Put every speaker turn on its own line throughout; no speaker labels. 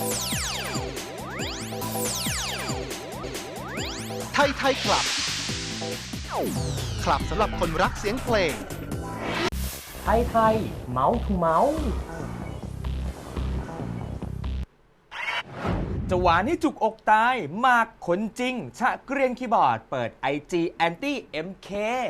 ไทยคลับ คลับสำหรับคนรักเสียงเพลง
ไทยเมาส์ทูเมาส์จะหวานให้จุกอกตายมากขนจริง ชะเกรียนคีย์บอร์ดเปิด IG Anti MK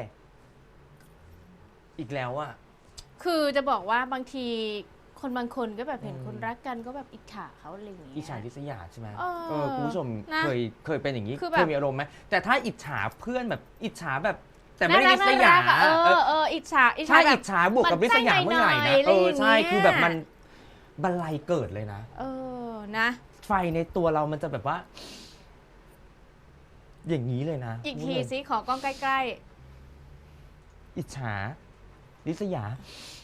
อีกแล้วอะ
คือจะบอกว่าบางทีคนบางคนก็แบบเห็นคนรักกันก็แบบอิจฉาเขาอะไรอย่างเงี้ย
อิจฉาริษยาใช่ไหม
เออ
คุณผู้ชม
นะ
เคยเป็นอย่างนี้
คือแบบ
เคยมีอารมณ์ไหมแต่ถ้าอิจฉาเพื่อนแบบอิจฉาแบบแต่ไม่ได้ริษยา
น่รักอะอิจฉา
ใช่
แบบ
อิจฉาบวกกับริษยาเมื่อไหร่นะ ใช่คือแบบมันบันไลเกิดเลยนะ
นะ
ไฟในตัวเรามันจะแบบว่า อย่างนี้เลยนะ
อีกทีซิขอกล้องใกล้
อิจฉาริษยา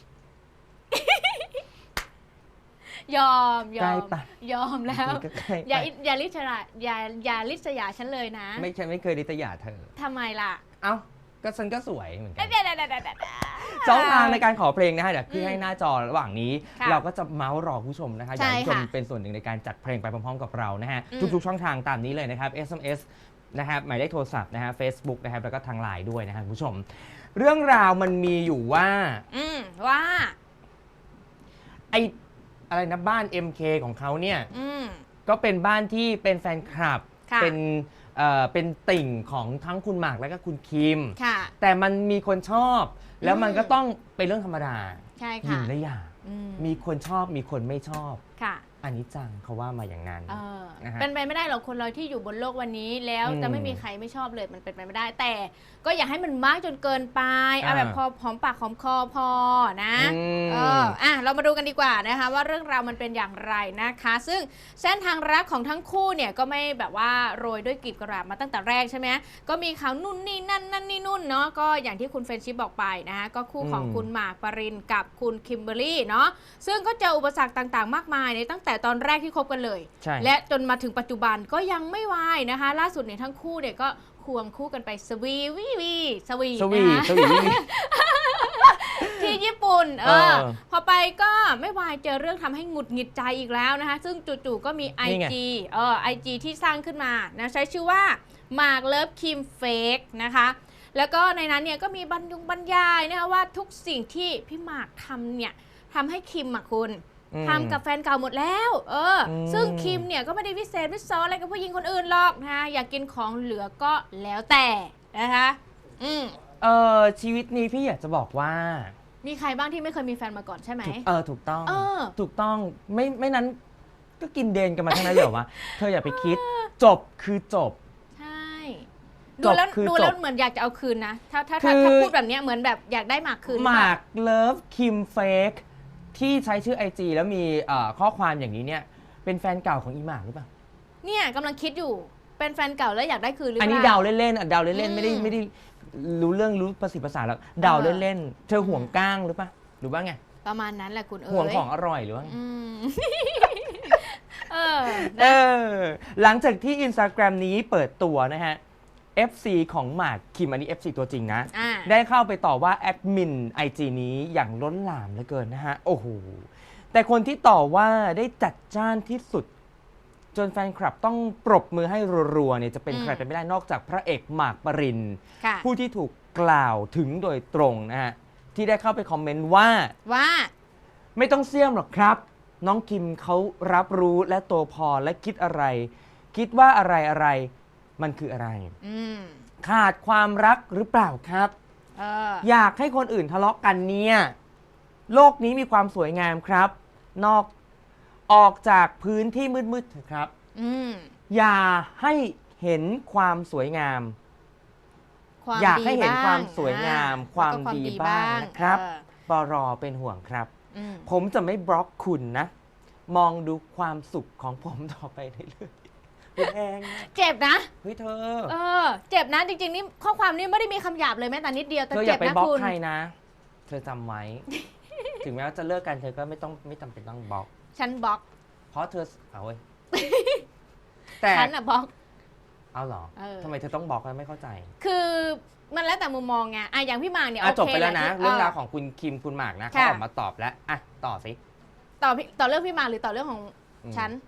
ๆยอม
ใกล้ปะ
ยอมแล้ว
ใกล้ๆ
อย่าริษยาอย่าริษยาฉันเลยนะ
ไม่เคยริษยาเธอ
ทำไมล่ะ
เอ้าก็ฉันก็สวยเหมือนกัน
เดี๋ยว
ช่องทางในการขอเพลงนะฮะเดี๋ยวขึ้นให้หน้าจอระหว่างนี้
ค่ะ
เราก็จะเมาส์รอผู้ชมนะคะอ
ใช่
ยากให้ผู้ชม
ค่ะ
เป็นส่วนหนึ่งในการจัดเพลงไปพร้อมๆกับเรานะฮะ
อืม
ทุกๆช่องทางตามนี้เลยนะครับ SMS นะครับหมายเลขโทรศัพท์นะฮะ Facebook นะครับแล้วก็ทางไลน์ด้วยนะครับคุณผู้ชม เรื่องราวมันมีอยู่ว่า
ว่า
ไออะไรนะบ้าน MK ของเขาเนี่ย
อืม
ก็เป็นบ้านที่เป็นแฟนคลับ
ค่ะ
เป็นติ่งของทั้งคุณหมากและก็คุณคิม
ค่ะ
แต่มันมีคนชอบ แล้วมันก็ต้องเป็นเรื่องธรรมดา
ใช่
หญิ
ค่ะ
งและอย่าง
อื
มีคนชอบมีคนไม่ชอบ
ค่ะ
อันนี้จังเขาว่ามาอย่างนั้น นะฮะ
เป็นไปไม่ได้หรอกคนเราที่อยู่บนโลกวันนี้แล้ว
อืม
จะไม่มีใครไม่ชอบเลยมันเป็นไปไม่ได้ แต่ก็อย่าให้มันมากจนเกินไปเอาแบบพอหอมปากหอมคอพอนะ
อืม
เรามาดูกันดีกว่านะคะว่าเรื่องราวมันเป็นอย่างไรนะคะ ซึ่งเส้นทางรักของทั้งคู่เนี่ยก็ไม่แบบว่าโรยด้วยกลีบกระดาษมาตั้งแต่แรกใช่ไหมก็มีข่าวนู่นนี่นั่นนี่นู่นเนาะก็อย่างที่คุณเฟรนชิปบอกไปนะคะก็คู่ของคุณหมากปรินกับคุณคิมเบอร์รี่เนาะซึ่งก็เจออุปสรรคต่างๆ มากมายในตั้งแต่ตอนแรกที่คบกันเลย
ใช่
และจนมาถึงปัจจุบันก็ยังไม่วายนะคะ ล่าสุดเนี่ยทั้งคู่เนี่ยก็ควงคู่กันไปสวีนะคะ
สวี
ที่ญี่ปุ่น
เออ
พอไปก็ไม่วายเจอเรื่องทำให้หงุดหงิดใจอีกแล้วนะคะ ซึ่งจู่ๆก็มี
นี่ไง
IG ที่สร้างขึ้นมานะใช้ชื่อว่า Mark Love Kim Fake นะคะ แล้วก็ในนั้นเนี่ยก็มีบรรยายนะคะว่าทุกสิ่งที่พี่หมากทำเนี่ยทำให้คิมอะคุณ ทำกับแฟนเก่าหมดแล้วซึ่งคิมเนี่ยก็ไม่ได้วิเศษวิโสอะไรกับผู้หญิงคนอื่นหรอกนะคะอยากกินของเหลือก็แล้วแต่นะคะ
ชีวิตนี้พี่อยากจะบอกว่า
มีใครบ้างที่ไม่เคยมีแฟนมาก่อนใช่ไหม
ถูกต้อง
เออ
ถูกต้องไม่นั้นก็กินเดนกันมาทั้งนั้นเลยเหรอวะเธออย่าไปคิดจบคือจบ
ใช่
จ
ดู
บ
แล้ว
คือ
ดูแล้ว
จบ
เหมือนอยากจะเอาคืนนะถ้า
คือ
พูดแบบเนี้ยเหมือนแบบอยากได้หมากคืน
หมากเลิฟคิมเฟกที่ใช้ชื่อ IG แล้วมีข้อความอย่างนี้เนี่ยเป็นแฟนเก่าของอีหมากหรือเปล่า
เนี่ยกำลังคิดอยู่เป็นแฟนเก่าแล้วอยากได้คืนหรือเป
อั
ล่า
นนี้เดาเล่นๆเดาเล่นๆไม่ได้
อืม
รู้เรื่องรู้ภาษีภาษาแล้วเดาเล่นๆเธอห่วงก้างหรือเปล่าหรือว่าไง
ประมาณนั้นแหละคุณเอ๋ย
ห่วงของอร่อยหรือว่าไง
อืม
หลังจากที่ Instagram นี้เปิดตัวนะฮะ FC ของหมากคิมอันนี้ FC ตัวจริงนะ ได้เข้าไปต่อว่าแอดมิน IG นี้อย่างล้นหลามเหลือเกินนะฮะ โอ้โห แต่คนที่ต่อว่าได้จัดจ้านที่สุด จนแฟนคลับต้องปรบมือให้รัวๆเนี่ยจะเป็นใครไปไม่ได้นอกจากพระเอกหมากปริน
ค่ะ
ผู้ที่ถูกกล่าวถึงโดยตรงนะฮะ ที่ได้เข้าไปคอมเมนต์ว่า ไม่ต้องเสี่ยมหรอกครับ น้องคิมเขารับรู้และโตพอและคิดอะไร คิดว่าอะไรมันคืออะไร ขาดความรักหรือเปล่าครับ อยากให้คนอื่นทะเลาะกันเนี่ยโลกนี้มีความสวยงามครับ ออกจากพื้นที่มืดๆเถอะครับอย่าให้เห็นความสวยงาม อยากให้เห็นความสวยงามความดีบ้างนะครับปรเป็นห่วงครับ ผมจะไม่บล็อกคุณนะ มองดูความสุขของผมต่อไปเรื่อยๆแพง
เจ็บนะ
เฮ้ยเธอ
เจ็บนะจริงๆนี่ข้อความนี้ไม่ได้มีคำหยาบเลยแม้แต่นิดเดียวแต่
เธออ
เจ็
ย่า
บ
ไป
นะ
บล็อก
คุณ
ใครนะ เธอจำไว้ ถึงแม้ว่าจะเลิกกันเธอก็ไม่จำเป็นต้องบล็อก
ฉันบล็อก
เพราะเธอเอาเว้ย แต่
ฉันอะบล็อก
เอาเหรอทำไมเธอต้องบล็อกไม่เข้าใจ
คือมันแล้วแต่มุมมองไงอย่างพี่หมากเนี่ย
จบไปแล้วนะ
โค
เรื่องราวของคุณคิมคุณหมากนะเขาออกมาตอบแล้วต่อสิ
ต่อเรื่องพี่หมากหรือต่อเรื่องของฉัน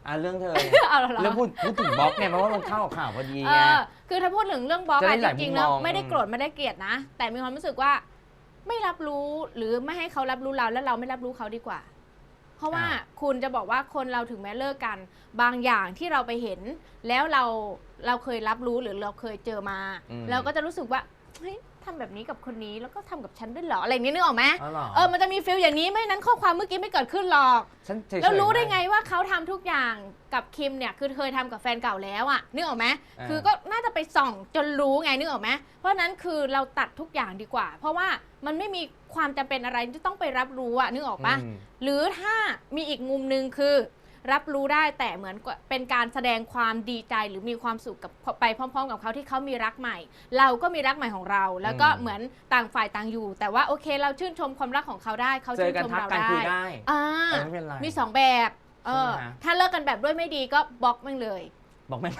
เรื่องเธอ
เอาเหรอ
เรื่องพูดถึงบล็อกเนี่ยเพราะว่ามันเข้ากับข่าวพอดี
เอ
ไง
คือถ้าพูดถึงเรื่องบล็อก
จะได้
อะ
หลาย
จริงๆ
มุม
แล้ว
มอง
ไม่ได้โกรธไม่ได้เกลียดนะ แต่มีความรู้สึกว่าไม่รับรู้หรือไม่ให้เขารับรู้เราแล้วเราไม่รับรู้เขาดีกว่า เพราะว่าคุณจะบอกว่าคนเราถึงแม้เลิกกันบางอย่างที่เราไปเห็น แล้วเราเคยรับรู้หรือเราเคยเจอมาเราก็จะรู้สึกว่าเฮ้ยทำแบบนี้กับคนนี้แล้วก็ทำกับฉันด้วยเหรออะไรนี้นึกออกไหม
อ๋อ
มันจะมีฟีลอย่างนี้ไม่นั้นข้อความเมื่อกี้ไม่เกิดขึ้นหรอก
ฉันเฉยๆ
แล้วรู้ได้ไงว่าเขาทำทุกอย่างกับคิมเนี่ยคือเคยทำกับแฟนเก่าแล้วอะนึกออกไหมคือก็น่าจะไปส่องจนรู้ไงนึกออกไหมเพราะนั้นคือเราตัดทุกอย่างดีกว่า เพราะว่ามันไม่มีความจำเป็นอะไรที่ต้องไปรับรู้อะนึกออกปะหรือถ้ามีอีกมุมนึงคือรับรู้ได้แต่เหมือนเป็นการแสดงความดีใจหรือมีความสุขกับไปพร้อมๆกับเขาที่เขามีรักใหม่ เราก็มีรักใหม่ของเรา แล้วก็เหมือนต่างฝ่ายต่างอยู่ แต่ว่าโอเคเราชื่นชมความรักของเขาได้เขาชื่นชมเรา
เจอกันทักกันคุยได้
ได้
ไม่เป็นไร
มี2แบบ
ใช่ไหม
ถ้าเลิกกันแบบด้วยไม่ดีก็บล็อกแม่งเลย
บอกไม่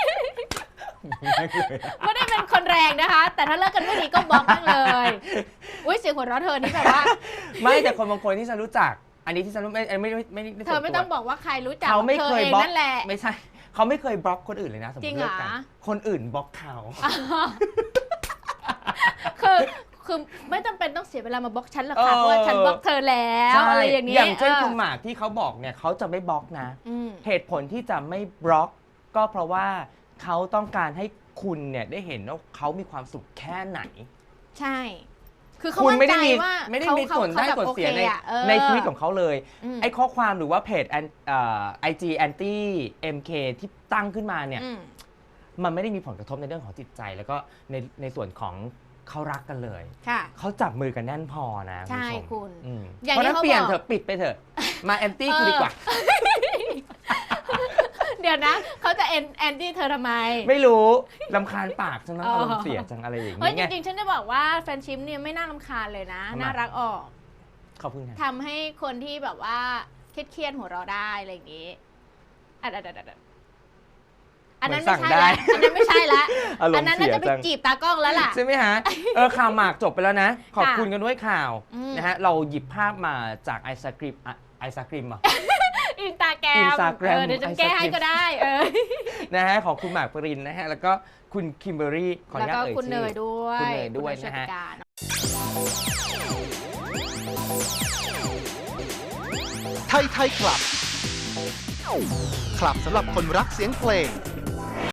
ไม่ได้เป็นคนแรงนะคะ แต่ถ้าเลิกกันไม่ดีก็บล็อกแม่งเลยอุ้ยเสียงหัวเราะเธอนี่แบบว่า
ไม่แต่คนบางคนที่ฉันรู้จัก อันนี้ที่ฉันไม่
เธอไม่ต้องบอกว่าใครรู้จัก
เขาไม่
เธอ
เคย
เอง
บล็อก
นั่นแหละ
ไม่ใช่เขาไม่เคยบล็อกคนอื่นเลยนะสมม
จริ
ติ
งเหร
เลิ
อ
กกันคนอื่นบล็อกเขา
คือไม่จำเป็นต้องเสียเวลามาบล็อกฉันหรอกค่ะเพราะว่าฉันบล็อกเธอแล้ว
ใช่
อะไรอย่างนี้
อย่างเช่นคุณหมากที่เขาบอกเนี่ยเขาจะไม่บล็อกนะ เหตุผลที่จะไม่บล็อก ก็เพราะว่าเขาต้องการให้คุณเนี่ยได้เห็นว่าเขามีความสุขแค่ไหน
ใช่ คือเขา
คุณ
มั่น
ไม่
ใจ
ได้มี
ว่า
ไม่ได้มีส่วนได้ส่วนเสียในชีวิตของเขาเลย ไอ้ข้อความหรือว่าเพจIG anti MK ที่ตั้งขึ้นมาเนี่ยมันไม่ได้มีผลกระทบในเรื่องของจิตใจ แล้วก็ในส่วนของเขารักกันเลย เขาจับมือกันแน่นพอนะ
ใช่
คุณ
อย่าง
เพราะ
นี้
นั้น
เขา
เปลี่ยน
บอก
เถอะปิดไปเถอะมาแอนตี้กูดีกว่า
เดี๋ยวนะเขาจะแอนตี้เธอทำไม
ไม่รู้รำคาญปากจังนะอารมณ์เสียจังอะไรอย่าง
เฮ้ย
เงี้ย
จริงๆฉันจะบอกว่าแฟนชิมเนี่ยไม่น่ารำคาญเลยนะ
ทำไม
น่ารักออก
ขอบคุณค่ะ
ทำให้คนที่แบบว่าเครียดๆหัวเราะได้อะไรอย่างนี้อันนั้นไม่ใช่ละอันนั้นไม่ใช่ละ
อารม
อัน
ณ์
นั้น
เสี
น่าย จะไป
จัง
จีบตากล้องแล้วล่ะ
ใช่ไหมฮะ ข่าวหมากจบไปแล้วนะ ขอบคุณกันด้วยข่าวนะฮะ เราหยิบภาพมาจากไอศกรีมอ่ะ
อินสตาแกรม
Instagram
เดี๋ยวจะแก้ให้ก็ได้
นะฮะของคุณหมากปรินนะฮะ แล้วก็คุณคิมเบอรี่ขออ
แล้ว
นุญา
ก็
ตเอ่ย
คุณ
ชื่
เน
อย
ด้วย
คุณเนยด้วย
คุณ
นะฮะ
โชติกา
ไทยคลับ คลับสำหรับคนรักเสียงเพลง